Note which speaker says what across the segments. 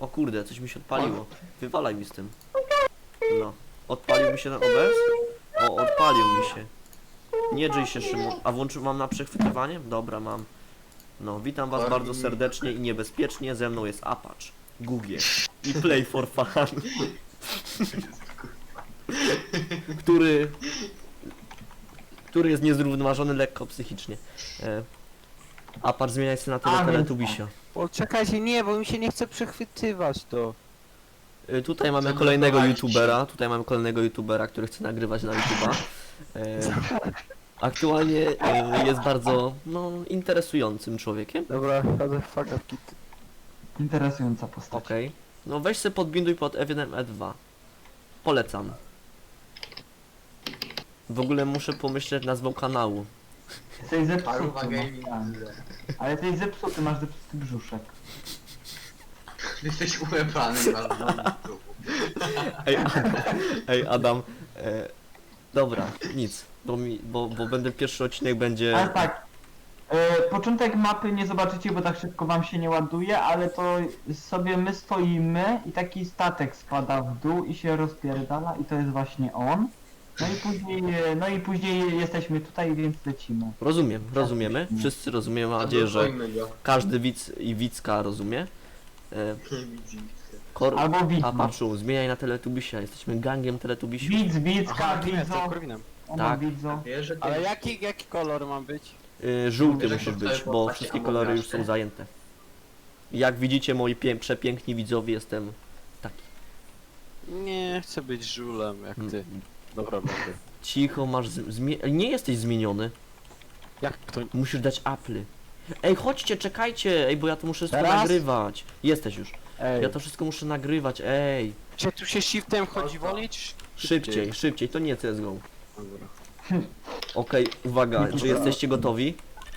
Speaker 1: O kurde, coś mi się odpaliło. Wywalaj mi z tym. No. Odpalił mi się ten OBS? O, odpalił mi się. Nie drzyj się, Szymon. A mam na przechwytywanie? Dobra, mam. No, witam was bardzo serdecznie i niebezpiecznie. Ze mną jest Apacz, Google i Play for Fun. który jest niezrównoważony lekko psychicznie. Apacz zmienia się na Teletubisia.
Speaker 2: O, czekajcie, nie, bo mi się nie chce przechwytywać to.
Speaker 1: Tutaj mamy kolejnego youtubera, który chce nagrywać na YouTube'a. Aktualnie jest bardzo, no, interesującym człowiekiem.
Speaker 2: Dobra, chodzę fuck up kit.
Speaker 3: Interesująca postać.
Speaker 1: Okej. No weź se podbinduj pod F1, E2. Polecam. W ogóle muszę pomyśleć nazwą kanału.
Speaker 3: Jesteś zepsuty.
Speaker 4: Paruwa Gaming.
Speaker 3: Ale jesteś zepsuty, masz zepsuty brzuszek.
Speaker 4: Jesteś ułepany bardzo.
Speaker 1: Ej Adam, dobra, nic, bo będę pierwszy odcinek będzie...
Speaker 3: Ale tak, początek mapy nie zobaczycie, bo tak szybko wam się nie ładuje, ale to sobie my stoimy i taki statek spada w dół i się rozpierdala i to jest właśnie on. No i później jesteśmy tutaj, więc lecimy.
Speaker 1: Rozumiemy, wszyscy rozumiemy, mam nadzieję, że każdy widz i widzka rozumie.
Speaker 3: Albo widz.
Speaker 1: Apaczu, zmieniaj na Teletubisia, jesteśmy gangiem Teletubisiów.
Speaker 3: Widz, widzka,
Speaker 2: Jestem
Speaker 3: widzo.
Speaker 2: Korwinem.
Speaker 1: Tak.
Speaker 3: Widzo.
Speaker 4: Wiesz, że
Speaker 2: Ale jaki kolor ma być?
Speaker 1: Żółty
Speaker 4: Wiesz,
Speaker 1: musi
Speaker 4: jak to
Speaker 1: być,
Speaker 4: wtedy
Speaker 1: bo
Speaker 4: popatrz,
Speaker 1: wszystkie
Speaker 4: a
Speaker 1: kolory już
Speaker 4: mówisz,
Speaker 1: są
Speaker 4: nie?
Speaker 1: zajęte. Jak widzicie, moi przepiękni widzowie, jestem taki.
Speaker 2: Nie, chcę być żulem, jak ty. Dobra, będę.
Speaker 1: Cicho, masz nie jesteś zmieniony.
Speaker 2: Jak to?
Speaker 1: Musisz dać aply. Ej, chodźcie, czekajcie, ej, bo ja to muszę wszystko
Speaker 2: Teraz?
Speaker 1: nagrywać. Jesteś już.
Speaker 2: Ej,
Speaker 1: Ja to wszystko muszę nagrywać, ej.
Speaker 2: czy tu się shiftem chodzi wolić?
Speaker 1: Szybciej, to nie CSGO.
Speaker 2: Dobra.
Speaker 1: Okej, uwaga, czy jesteście gotowi?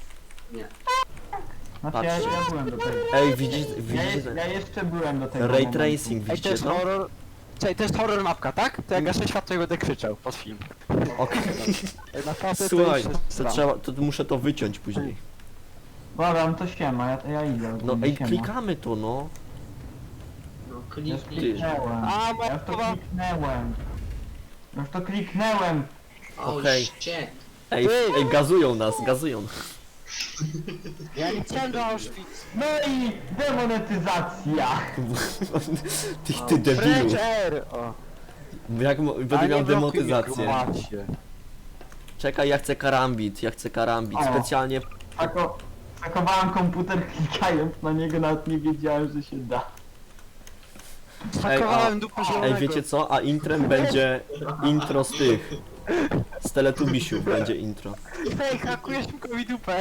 Speaker 3: Znaczy ja byłem do tego.
Speaker 1: Ej, widzicie?
Speaker 3: Ja jeszcze byłem do tego
Speaker 1: Ray
Speaker 3: momentu.
Speaker 1: tracing,
Speaker 2: Ej, to
Speaker 1: widzicie
Speaker 2: jest
Speaker 1: to?
Speaker 2: horror... Czekaj, to jest horror mapka, tak? To jak gaszę światło i będę krzyczał pod film.
Speaker 1: Okej.
Speaker 2: Ej, naprawdę
Speaker 1: Słuchaj,
Speaker 2: to jest...
Speaker 1: to trzeba, to muszę to wyciąć później.
Speaker 3: Dobra, no to siema, ja idę.
Speaker 1: No ej,
Speaker 3: siema.
Speaker 1: klikamy to, no.
Speaker 4: No
Speaker 3: Już
Speaker 4: kliknij.
Speaker 3: kliknęłem.
Speaker 2: A,
Speaker 3: Ja już to
Speaker 2: mowa...
Speaker 3: kliknęłem. Już to kliknęłem.
Speaker 1: Okej.
Speaker 4: Cię.
Speaker 1: Ej, gazują nas, gazują.
Speaker 2: Ja nie chciałem do Auschwitz.
Speaker 3: No i demonetyzacja.
Speaker 1: Ty debilu.
Speaker 2: French Air! O.
Speaker 1: Jak będę
Speaker 2: Ale
Speaker 1: miał
Speaker 2: nie blokuj mnie,
Speaker 1: demotyzację.
Speaker 2: grubasie.
Speaker 1: Czekaj, ja chcę karambit,
Speaker 3: O.
Speaker 1: specjalnie.
Speaker 3: Hakowałem komputer klikając na niego, nawet nie wiedziałem, że się da.
Speaker 2: Hakowałem dupę zielonego.
Speaker 1: Ej, wiecie co? A intrem będzie intro z tych. Z Teletubisiów będzie intro.
Speaker 2: Ej, hakujesz mi dupę.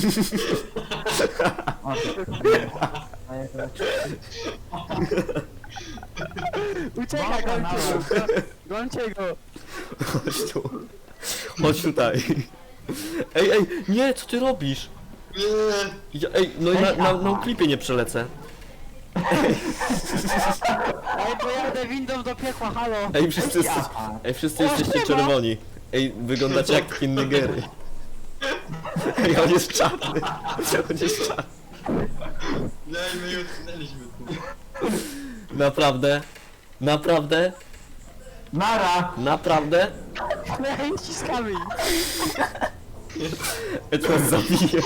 Speaker 3: O, a ja to-
Speaker 2: Uciekaj,
Speaker 3: Dobra,
Speaker 2: gońcie go.
Speaker 1: Chodź tu. Chodź tutaj. Ej, nie, co ty robisz? Ej, no i na klipie nie przelecę.
Speaker 2: Ej, pojadę windą do piekła, halo.
Speaker 1: Ej, wszyscy jesteście czerwoni. Ej, wyglądacie jak takie Nigery. Ej, on jest czarny. On jest czarny.
Speaker 4: No i my już znaleźliśmy tu.
Speaker 1: Naprawdę? Naprawdę?
Speaker 3: Nara!
Speaker 1: Naprawdę?
Speaker 2: Ej, ściskamy ich.
Speaker 1: Ej, to nas zabije.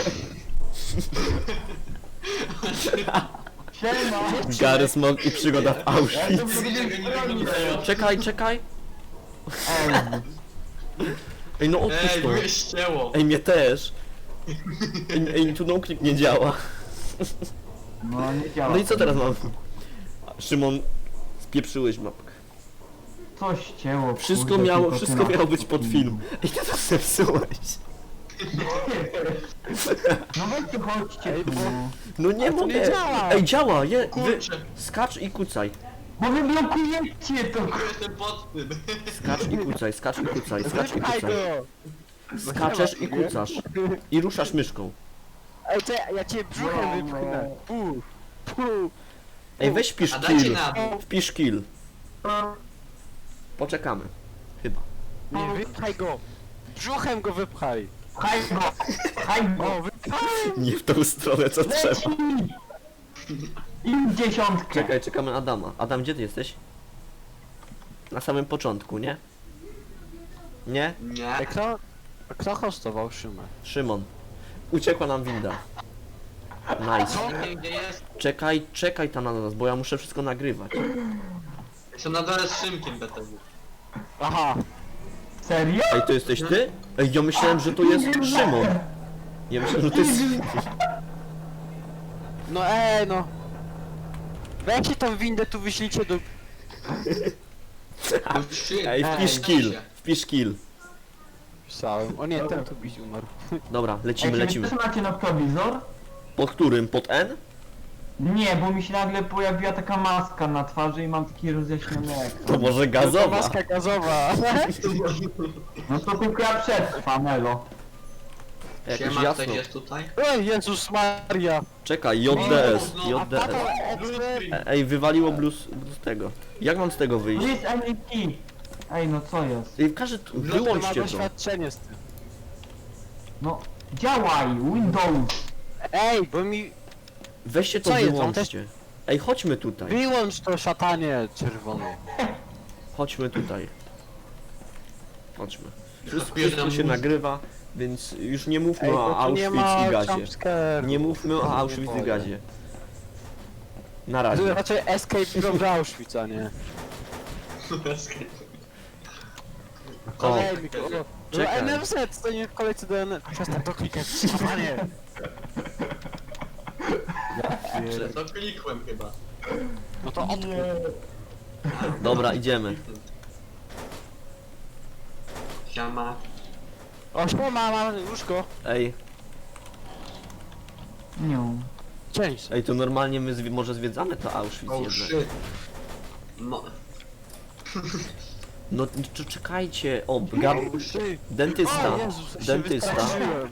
Speaker 3: Siema!
Speaker 1: Gary Smog i przygoda w
Speaker 3: Ja
Speaker 1: Auschwitz.
Speaker 3: to
Speaker 4: Tego nie wyglądają.
Speaker 1: Czekaj.
Speaker 3: Ej,
Speaker 1: Ej, no odpuść
Speaker 4: Ej,
Speaker 1: to.
Speaker 4: mnie ścięło.
Speaker 1: Ej, mnie też. Ej, tu noclip nie działa.
Speaker 3: no nie działa.
Speaker 1: No i co teraz mam? Szymon, spieprzyłeś mapkę.
Speaker 3: Coś cięło.
Speaker 1: Wszystko
Speaker 3: kurde,
Speaker 1: miało
Speaker 3: tylko ty na-
Speaker 1: być pod film. Ej, ty to zepsułeś.
Speaker 3: No weźcie, chodźcie
Speaker 2: Ej,
Speaker 3: tu.
Speaker 2: bo-
Speaker 1: No nie
Speaker 2: Ale to
Speaker 1: mogę.
Speaker 2: nie działa.
Speaker 1: Ej, działa,
Speaker 4: Kurczę,
Speaker 1: skacz i kucaj.
Speaker 3: Bo wy blokujecie to.
Speaker 4: jestem pod tym.
Speaker 1: Skacz i kucaj.
Speaker 2: Wypchaj go.
Speaker 1: Skaczesz i kucasz. I ruszasz myszką.
Speaker 2: Ej, ja cię brzuchem wypchnę. Pu.
Speaker 1: Ej, weź wpisz
Speaker 4: A dajcie
Speaker 1: kill.
Speaker 4: na dół.
Speaker 1: Wpisz kill. Poczekamy. Chyba.
Speaker 2: Nie, wypchaj go. Brzuchem go wypchaj.
Speaker 3: Pchaj go. Pchaj go.
Speaker 2: O, wypchaj.
Speaker 1: Nie w tą stronę, co trzeba.
Speaker 3: Leci! I dziesiątkę.
Speaker 1: Czekaj, czekamy na Adama. Adam, gdzie ty jesteś? Na samym początku, nie? Nie?
Speaker 4: Nie.
Speaker 2: Kto hostował Szymę?
Speaker 1: Szymon. Uciekła nam winda. Nice.
Speaker 4: Nie wiem gdzie jest.
Speaker 1: Czekaj tam na nas, bo ja muszę wszystko nagrywać.
Speaker 4: Jestem na dole z Szymkiem BTW.
Speaker 2: Aha.
Speaker 3: Serio?
Speaker 1: Ej, to jesteś ty? Ej, ja myślałem, że to jest Szymon. Ja myślałem, że to jest...
Speaker 2: No no. Weźcie tą windę tu wyślijcie do...
Speaker 4: No trzy.
Speaker 1: Ej, wpisz kill.
Speaker 2: Pisałem. O nie, ten tu bić umarł.
Speaker 1: Dobra, lecimy,
Speaker 3: Ej,
Speaker 1: lecimy.
Speaker 3: czy wy też macie noktowizor?
Speaker 1: Pod którym? Pod N?
Speaker 3: Nie, bo mi się nagle pojawiła taka maska na twarzy i mam taki rozjaśniony ekran.
Speaker 1: To może
Speaker 2: To
Speaker 1: gazowa.
Speaker 2: maska gazowa.
Speaker 3: No to tylko ja przetrwam, elo.
Speaker 1: Jakoś
Speaker 4: Siema,
Speaker 1: jasno.
Speaker 4: ktoś jest tutaj?
Speaker 2: Oj, Jezus Maria.
Speaker 1: Czekaj, JDS,
Speaker 2: A
Speaker 1: JDS.
Speaker 2: tato,
Speaker 1: Ej, wywaliło blues z tego. Jak mam z tego
Speaker 3: To
Speaker 1: wyjść?
Speaker 3: jest MEP. Ej, no co jest?
Speaker 1: Ej,
Speaker 2: ma
Speaker 1: wyłączcie to.
Speaker 2: doświadczenie z tym.
Speaker 3: No, działaj, Windows.
Speaker 2: Ej, bo mi...
Speaker 1: Weźcie to
Speaker 2: Co jest?
Speaker 1: wyłączcie. Ej, chodźmy tutaj.
Speaker 2: Wyłącz to szatanie czerwone.
Speaker 1: Chodźmy tutaj. Chodźmy. Wszystko
Speaker 4: Zabieram
Speaker 1: się
Speaker 4: muzykę.
Speaker 1: nagrywa, więc już nie mówmy
Speaker 2: Ej,
Speaker 1: o
Speaker 2: bo tu nie
Speaker 1: Auschwitz
Speaker 2: ma
Speaker 1: i gazie.
Speaker 2: jumpscare.
Speaker 1: Nie mówmy o Auschwitz i gazie. Na razie.
Speaker 2: Raczej Escape from Auschwitz, a nie.
Speaker 1: O,
Speaker 2: Kolejny, o.
Speaker 1: czekaj.
Speaker 2: No NFZ, to nie w kolejce do NFZ. Przestań to klikać, szatanie.
Speaker 4: To klikłem chyba.
Speaker 2: No to odkup.
Speaker 1: Dobra, idziemy.
Speaker 4: Siema.
Speaker 2: O, siema, mam łóżko.
Speaker 1: Ej,
Speaker 3: Nie.
Speaker 2: Część.
Speaker 1: ej, to normalnie my może zwiedzamy to Auschwitz
Speaker 4: Oh
Speaker 1: jednak.
Speaker 4: shit. No.
Speaker 1: No czekajcie, o,
Speaker 2: Ty.
Speaker 1: dentysta.
Speaker 2: O Jezus, ja się
Speaker 1: Dentysta.
Speaker 2: wystraszyłem.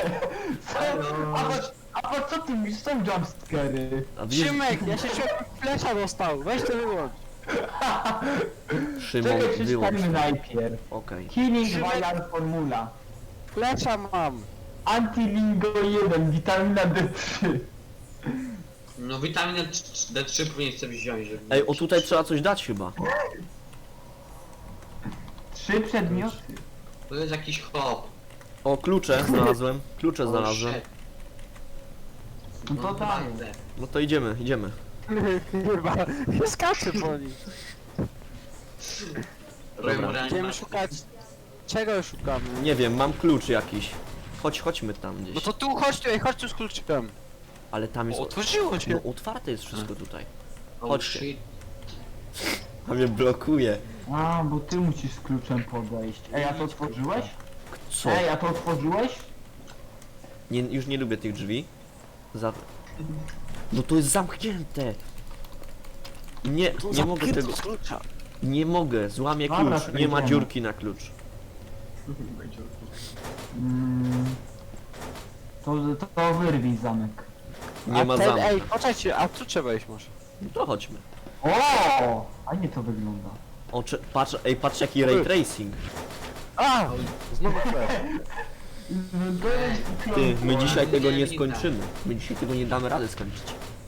Speaker 3: A po co ty mi są jumpscary?
Speaker 1: A wiesz,
Speaker 2: Szymek, ja się czułem, flesza dostał. Weź to wyłącz.
Speaker 1: Szymon,
Speaker 3: Czekaj,
Speaker 1: wyłącz.
Speaker 3: przeczytajmy najpierw.
Speaker 1: Okej.
Speaker 3: Killing
Speaker 2: Szymek-
Speaker 3: Vial Formula.
Speaker 2: Flesza mam.
Speaker 3: Antilingo 1, witamina D3.
Speaker 4: No witaminę D3 powinien sobie wziąć, żeby...
Speaker 1: Ej, o tutaj trzeba coś dać chyba.
Speaker 3: 3 przedmioty.
Speaker 4: To jest jakiś hop.
Speaker 1: O, klucze znalazłem. Klucze znalazłem.
Speaker 3: No to daję.
Speaker 1: No to idziemy, idziemy.
Speaker 2: Chyba. Ja skaczę po nim. Będziemy szukać... Czego szukamy?
Speaker 1: Nie wiem, mam klucz jakiś. Chodźmy tam
Speaker 2: No
Speaker 1: gdzieś.
Speaker 2: to tu, chodź tu, ej, chodź tu z kluczykiem.
Speaker 1: Ale tam jest...
Speaker 2: O, otworzyło się.
Speaker 1: No otwarte jest wszystko tutaj.
Speaker 4: Oh
Speaker 1: Chodźcie.
Speaker 4: shit.
Speaker 1: A mnie blokuje.
Speaker 3: A, bo ty musisz z kluczem podejść. Ej, a to otworzyłeś?
Speaker 1: Co?
Speaker 3: Ej, a to otworzyłeś?
Speaker 1: Nie, już nie lubię tych drzwi. No to jest zamknięte. Nie mogę tego...
Speaker 2: Z klucza.
Speaker 1: Nie mogę, złamię
Speaker 3: Dobra,
Speaker 1: klucz. Nie ma
Speaker 3: przejdziemy.
Speaker 1: dziurki na klucz.
Speaker 3: To wyrwij zamek.
Speaker 1: Nie ma
Speaker 2: ten,
Speaker 1: zamku.
Speaker 2: ej, poczekajcie, a tu trzeba iść może.
Speaker 1: No to chodźmy.
Speaker 3: O! A nie to wygląda.
Speaker 1: O, patrz, ej, patrz jaki ray tracing.
Speaker 2: A! Znowu flash.
Speaker 1: Ty, my dzisiaj tego nie
Speaker 4: Nie,
Speaker 1: skończymy. My dzisiaj tego nie damy rady skończyć.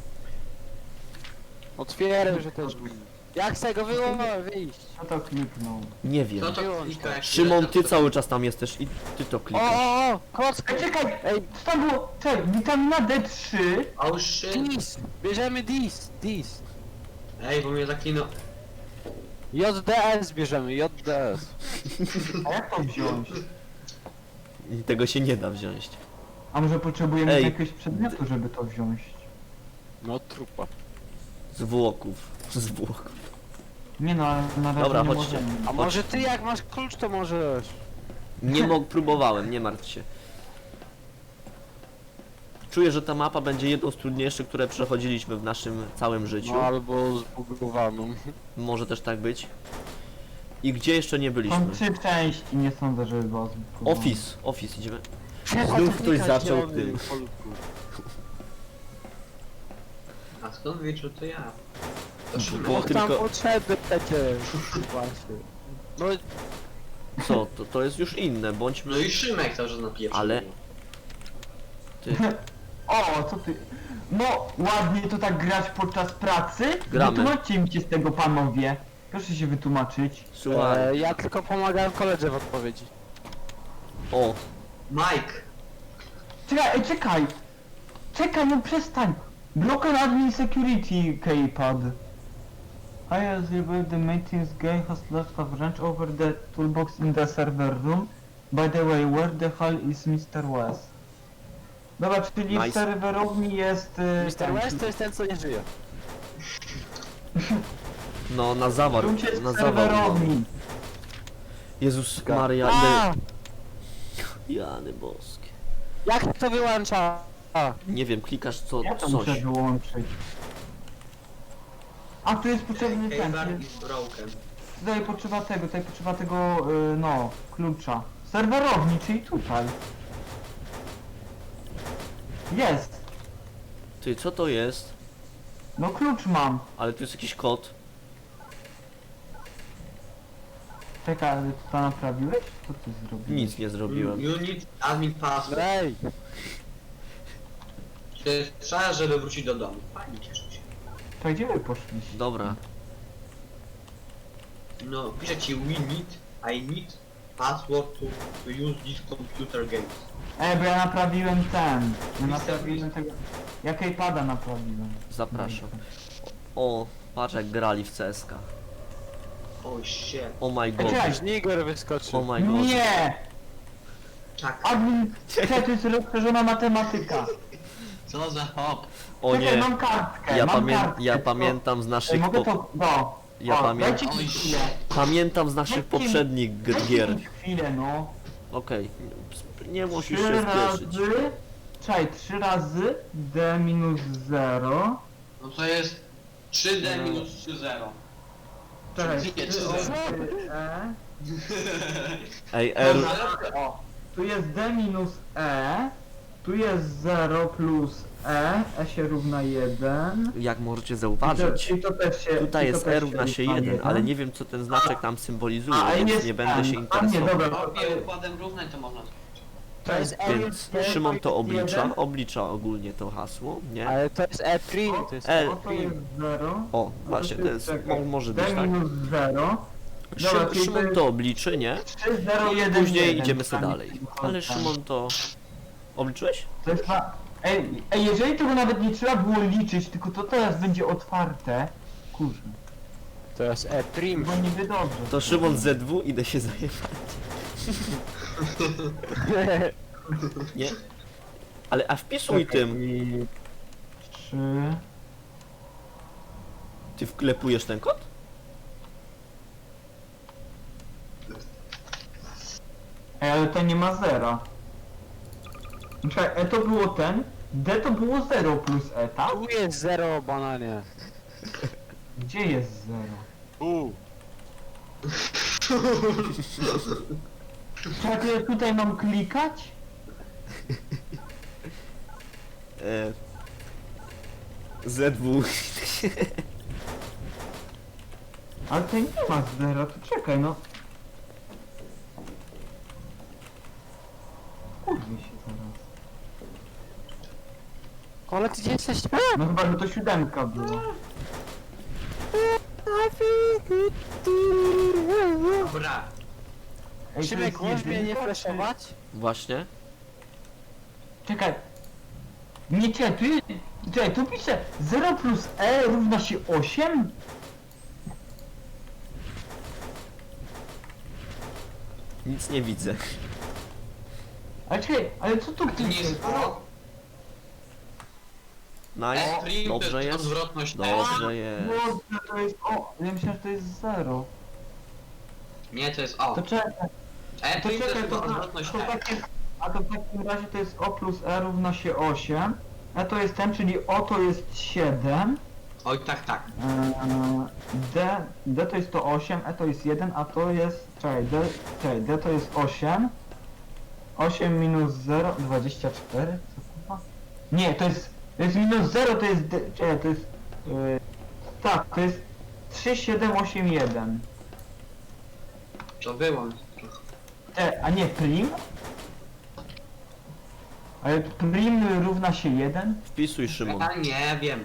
Speaker 2: Otwieraj, że też. Jak z tego wyjść?
Speaker 3: Kto to kliknął?
Speaker 1: Nie wiem.
Speaker 4: No to klika jak
Speaker 1: Szymon, ty cały czas tam jesteś i ty to
Speaker 2: O,
Speaker 1: klikasz.
Speaker 2: o, kocka!
Speaker 3: Ej, czekaj!
Speaker 2: Ej,
Speaker 3: Co tam było? Czekaj, witamina D3.
Speaker 4: Oh shit.
Speaker 2: dis! Bierzemy dis!
Speaker 4: Ej, bo mnie zaklinął.
Speaker 2: JDS bierzemy, JDS.
Speaker 3: A jak to wziąć?
Speaker 1: I tego się nie da wziąć.
Speaker 3: A może potrzebujemy
Speaker 1: Ej.
Speaker 3: jakiegoś przedmiotu, żeby to wziąć?
Speaker 2: No trupa.
Speaker 1: Zwłoków. Zwłoków.
Speaker 3: Nie no, ale na razie
Speaker 1: Dobra,
Speaker 3: nie
Speaker 1: chodźcie.
Speaker 3: możemy.
Speaker 2: A może ty jak masz klucz to możesz.
Speaker 1: Nie próbowałem, nie martw się. Czuję, że ta mapa będzie jedną z trudniejszych, które przechodziliśmy w naszym całym życiu.
Speaker 2: No albo zbugowaną.
Speaker 1: Może też tak być. I gdzie jeszcze nie byliśmy?
Speaker 3: Są 3 części, nie sądzę, żeby było zbudowane.
Speaker 1: Office idziemy. Znów ktoś zaczął tym.
Speaker 4: A skąd wiesz, że to ja? To Szymek.
Speaker 1: Bo
Speaker 2: Bo tam
Speaker 1: tylko-
Speaker 2: potrzeby przecież. Właśnie. No
Speaker 1: Co? To jest już inne,
Speaker 4: No
Speaker 1: bądźmy...
Speaker 4: i Szymek cały czas napieprzył.
Speaker 1: Ale- Ty.
Speaker 3: O, co ty? No, ładnie to tak grać podczas pracy?
Speaker 1: Gramy.
Speaker 3: Wytłumaczcie mi się z tego, panowie. Proszę się wytłumaczyć.
Speaker 1: Słuchaj.
Speaker 2: Ja tylko pomagałem koledze w odpowiedzi.
Speaker 1: O,
Speaker 4: Mike!
Speaker 3: Czekaj, czekaj! Czekaj, no przestań! Block and admin security keypad. I as the maintenance guy has lost a wrench over the toolbox in the server room. By the way, where the hell is Mr. West? Dobra, czyli
Speaker 1: Nice.
Speaker 3: w serwerowni jest...
Speaker 2: Mr. West to jest ten, co nie żyje.
Speaker 1: no na zawar,
Speaker 3: Tu jest
Speaker 1: na
Speaker 3: w
Speaker 1: zawar.
Speaker 3: serwerowni.
Speaker 1: Jezus Maria,
Speaker 2: A,
Speaker 1: ile... Jany boskie.
Speaker 2: jak to wyłącza? A,
Speaker 1: Nie wiem, klikasz co,
Speaker 3: Ja to muszę
Speaker 1: coś.
Speaker 3: wyłączyć. A tu jest potrzebny ten.
Speaker 4: Keyboard is broken.
Speaker 3: Tutaj potrzeba tego, no, klucza. Serwerowni, czyli tutaj. Jest.
Speaker 1: Ty, co to jest?
Speaker 3: No klucz mam.
Speaker 1: Ale tu jest jakiś kod.
Speaker 3: Czekaj, ale to naprawiłeś? Co ty zrobiłeś?
Speaker 1: Nic nie zrobiłem.
Speaker 4: You need admin password.
Speaker 2: ej,
Speaker 4: To jest czas, żeby wrócić do domu. Fajnie, cieszę się.
Speaker 3: To gdzie wy poszliście?
Speaker 1: Dobra.
Speaker 4: No, pisze ci I need password to use this computer games.
Speaker 3: Bo ja naprawiłem ten. Ja
Speaker 4: Mister
Speaker 3: naprawiłem tego. Ja keypada naprawiłem.
Speaker 1: Zapraszam. O, patrz jak grali w CSK.
Speaker 4: Oh shit.
Speaker 1: Oh my god.
Speaker 3: Czekaj.
Speaker 2: Żniger wyskoczył.
Speaker 1: Oh my god.
Speaker 3: Nie!
Speaker 4: Czak.
Speaker 3: Admin, czekaj, to jest rozszerzona matematyka.
Speaker 4: Co za hop?
Speaker 1: O
Speaker 3: Czekaj,
Speaker 1: nie.
Speaker 3: mam kartkę,
Speaker 1: Ja,
Speaker 3: mam kartkę.
Speaker 1: ja pamiętam z
Speaker 3: Ej,
Speaker 1: naszych
Speaker 3: mogę to... No.
Speaker 1: Ja
Speaker 3: Dajcie
Speaker 4: Oj,
Speaker 3: mi chwilę.
Speaker 1: Pamiętam z naszych
Speaker 3: Dajcie mi-
Speaker 1: poprzednich
Speaker 3: Dajcie
Speaker 1: gier.
Speaker 3: mi chwilę, no.
Speaker 1: Okej. Nie musisz
Speaker 3: 3
Speaker 1: się
Speaker 3: razy...
Speaker 1: spieszyć.
Speaker 3: Czekaj, 3 razy d minus 0.
Speaker 4: No to jest 3D minus 3,0.
Speaker 3: Czekaj,
Speaker 4: Czyli nie,
Speaker 3: 3
Speaker 4: 3,0.
Speaker 3: e.
Speaker 1: Ej, R.
Speaker 3: O, tu jest d minus e. Tu jest 0 plus e się równa 1.
Speaker 1: Jak możecie zauważyć,
Speaker 3: I to też się...
Speaker 1: tutaj
Speaker 3: i to
Speaker 1: jest
Speaker 3: też
Speaker 1: E równa się 1, ale nie wiem co ten znaczek tam symbolizuje,
Speaker 3: A,
Speaker 1: więc
Speaker 3: jest
Speaker 1: nie będę się
Speaker 3: M. A nie,
Speaker 1: interesował.
Speaker 3: dobra.
Speaker 4: Kopie układem równań to można.
Speaker 2: To jest E,
Speaker 1: Więc Szymon to oblicza ogólnie to hasło, nie?
Speaker 2: ale to jest E', to jest
Speaker 1: E.
Speaker 3: O, to jest 0.
Speaker 1: O, właśnie, to jest, może być
Speaker 3: d
Speaker 1: tak.
Speaker 3: minus 0. Dobra, czyli to
Speaker 1: Szymon
Speaker 3: jest
Speaker 1: to obliczy, nie?
Speaker 3: 3, 0,
Speaker 1: I
Speaker 3: 1,
Speaker 1: później
Speaker 3: 1.
Speaker 1: idziemy sobie dalej. Ale Szymon to... Obliczyłeś?
Speaker 3: To jest ej, jeżeli tego nawet nie trzeba było liczyć, tylko to teraz będzie otwarte. Kurczę,
Speaker 2: To jest E'.
Speaker 3: bo niby dobrze.
Speaker 1: To Szymon ZW, idę się zajebać. Nie? Ale a wpisuj tym.
Speaker 3: I 3.
Speaker 1: Ty wklepujesz ten kod?
Speaker 3: Ej, ale to nie ma 0. Czekaj, E to było ten, D to było 0 plus E, tak?
Speaker 2: Tu jest 0, bananie.
Speaker 3: Gdzie jest 0?
Speaker 2: U.
Speaker 3: Czekaj, to ja tutaj mam klikać?
Speaker 1: ZW.
Speaker 3: Ale tutaj nie ma 0, to czekaj, no. Kurwa się zaraz.
Speaker 2: Ale ty gdzie jesteś?
Speaker 3: No chyba, że to 7 była.
Speaker 4: Dobra.
Speaker 3: Ej, to
Speaker 2: Szymek,
Speaker 3: jest
Speaker 2: możesz mnie nie
Speaker 3: jedynka,
Speaker 2: flashować?
Speaker 1: Właśnie.
Speaker 3: Czekaj. Nie, czekaj, tu jest... Czekaj, tu pisze 0 plus E równa się 8?
Speaker 1: Nic nie widzę.
Speaker 3: Ale czekaj, ale co tu
Speaker 4: To nie
Speaker 3: pisze?
Speaker 4: jest O.
Speaker 1: Nice.
Speaker 4: E'
Speaker 1: Dobrze
Speaker 4: to
Speaker 1: jest.
Speaker 4: odwrotność E.
Speaker 1: Dobrze jest.
Speaker 3: Boże, to jest o... Ja myślałem, że to jest 0.
Speaker 4: Nie, to jest O.
Speaker 3: To czekaj,
Speaker 4: E'
Speaker 3: to
Speaker 4: to jest
Speaker 3: czekaj,
Speaker 4: chyba
Speaker 3: to,
Speaker 4: odwrotność
Speaker 3: to,
Speaker 4: E.
Speaker 3: a to w takim razie to jest O plus E równa się 8. E to jest ten, czyli O to jest 7.
Speaker 4: Oj, tak, tak.
Speaker 3: D to jest to 8, E to jest 1, a to jest... Czekaj, D to jest 8. 8 minus 0, 24? Co kurwa? Nie, to jest minus 0, to jest... Czekaj, to jest... tak, to jest 3, 7, 8, 1.
Speaker 4: To wyłącz.
Speaker 3: A nie prim? Ale prim równa się 1?
Speaker 1: Wpisuj, Szymon.
Speaker 4: Ja nie wiem.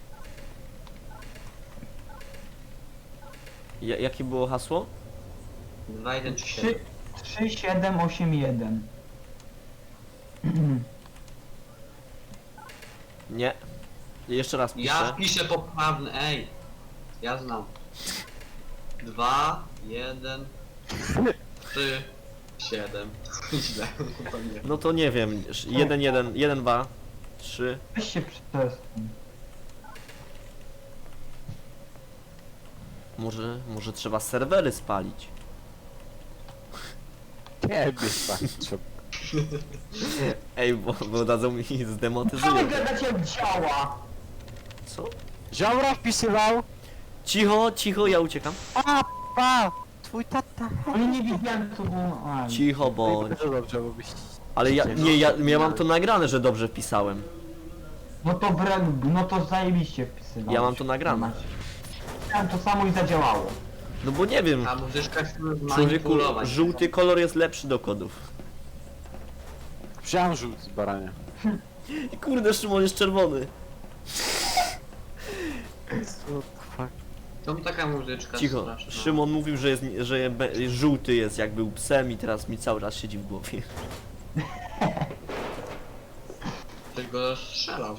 Speaker 1: Jakie było hasło?
Speaker 4: 2, 1, 3, 7.
Speaker 3: 3, 7, 8, 1.
Speaker 1: Nie. Jeszcze raz piszę.
Speaker 4: Ja piszę poprawny, ej. Ja znam. 2, 1, 3, 7. Źle. To nie.
Speaker 1: No to nie wiem. 1, 1, 1, 2, 3.
Speaker 3: Weź się przestań.
Speaker 1: Może trzeba serwery spalić.
Speaker 2: Nie, wystarczy.
Speaker 1: Ej, bo dadzą mi
Speaker 3: Co
Speaker 1: zdemotyzują.
Speaker 3: wy gadacie jak działa?
Speaker 1: Co?
Speaker 2: Ziomra wpisywał.
Speaker 1: Cicho, cicho, ja uciekam.
Speaker 2: Pa! Twój tata.
Speaker 3: Ale nie widziałem co było. A,
Speaker 1: Cicho bądź.
Speaker 2: Bardzo dobrze, bo byś...
Speaker 1: Ale ja mam to nagrane, że dobrze wpisałem.
Speaker 3: no to zajebiście wpisywałeś.
Speaker 1: Ja mam to nagrane.
Speaker 3: Chciałem to samo i zadziałało.
Speaker 1: No bo nie wiem,
Speaker 4: A muzyczka się
Speaker 1: człowieku,
Speaker 4: zmanipulować.
Speaker 1: żółty kolor jest lepszy do kodów.
Speaker 2: Wziąłem żółty z barania.
Speaker 1: I kurde, Szymon jest czerwony.
Speaker 4: To taka muzyczka
Speaker 1: Cicho,
Speaker 4: straszna.
Speaker 1: Szymon mówił, że żółty jest, jak był psem i teraz mi cały czas siedzi w głowie.
Speaker 4: Ktoś go strzelał.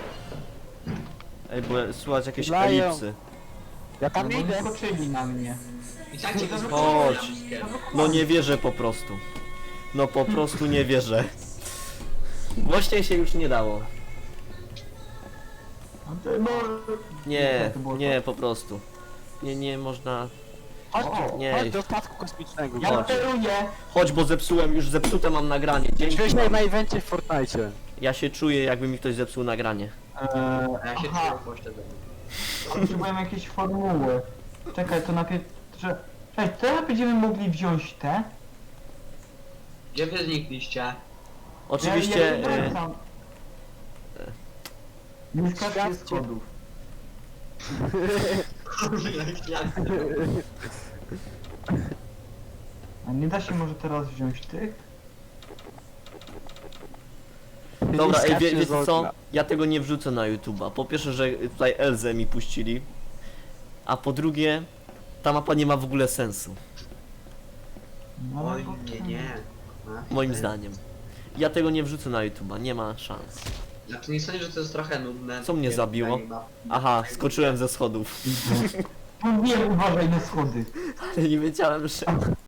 Speaker 1: Ej, bo słychać jakieś
Speaker 2: Strzelają.
Speaker 1: elipsy.
Speaker 2: Ja
Speaker 3: No
Speaker 2: tam
Speaker 3: bo
Speaker 2: idę.
Speaker 3: skoczyli na mnie.
Speaker 4: I tak cię
Speaker 1: Chodź. No nie wierzę po prostu. No po prostu nie wierzę. Głośniej się już nie dało. Nie, nie, po prostu. Nie można...
Speaker 3: Chodź,
Speaker 1: Nie,
Speaker 2: Chodź do statku kosmicznego.
Speaker 3: ja
Speaker 1: Chodź.
Speaker 3: steruję.
Speaker 1: chodź, bo zepsułem, już zepsute mam nagranie. Dzięki.
Speaker 2: Śmieszne na evencie w Fortnite.
Speaker 1: Ja się czuję, jakby mi ktoś zepsuł nagranie.
Speaker 4: A ja się
Speaker 3: Aha,
Speaker 4: czuję pośledzony.
Speaker 3: potrzebujemy jakieś formuły. Czekaj, to najpierw... Cześć, teraz będziemy mogli wziąć te.
Speaker 4: Gdzie wy znikliście?
Speaker 1: Oczywiście...
Speaker 3: Nie skaczcie
Speaker 2: Świadczy.
Speaker 3: schodów. A nie da się może teraz wziąć tych?
Speaker 1: Dobra, ej,
Speaker 2: Skacze
Speaker 1: wiecie
Speaker 2: z
Speaker 1: co?
Speaker 2: okna.
Speaker 1: Ja tego nie wrzucę na YouTube'a. Po pierwsze, że tutaj Elzę mi puścili. A po drugie, ta mapa nie ma w ogóle sensu.
Speaker 3: No,
Speaker 4: Oj,
Speaker 3: bo-
Speaker 4: nie. A,
Speaker 1: Moim
Speaker 4: ty-
Speaker 1: zdaniem. Ja tego nie wrzucę na YouTube'a, nie ma szans.
Speaker 4: Znaczy nie sądzę, że to jest trochę nudne.
Speaker 1: Co mnie zabiło? Aha, skoczyłem ze schodów.
Speaker 3: Mówiłem, uważaj na schody.
Speaker 1: Ale nie wiedziałem, że...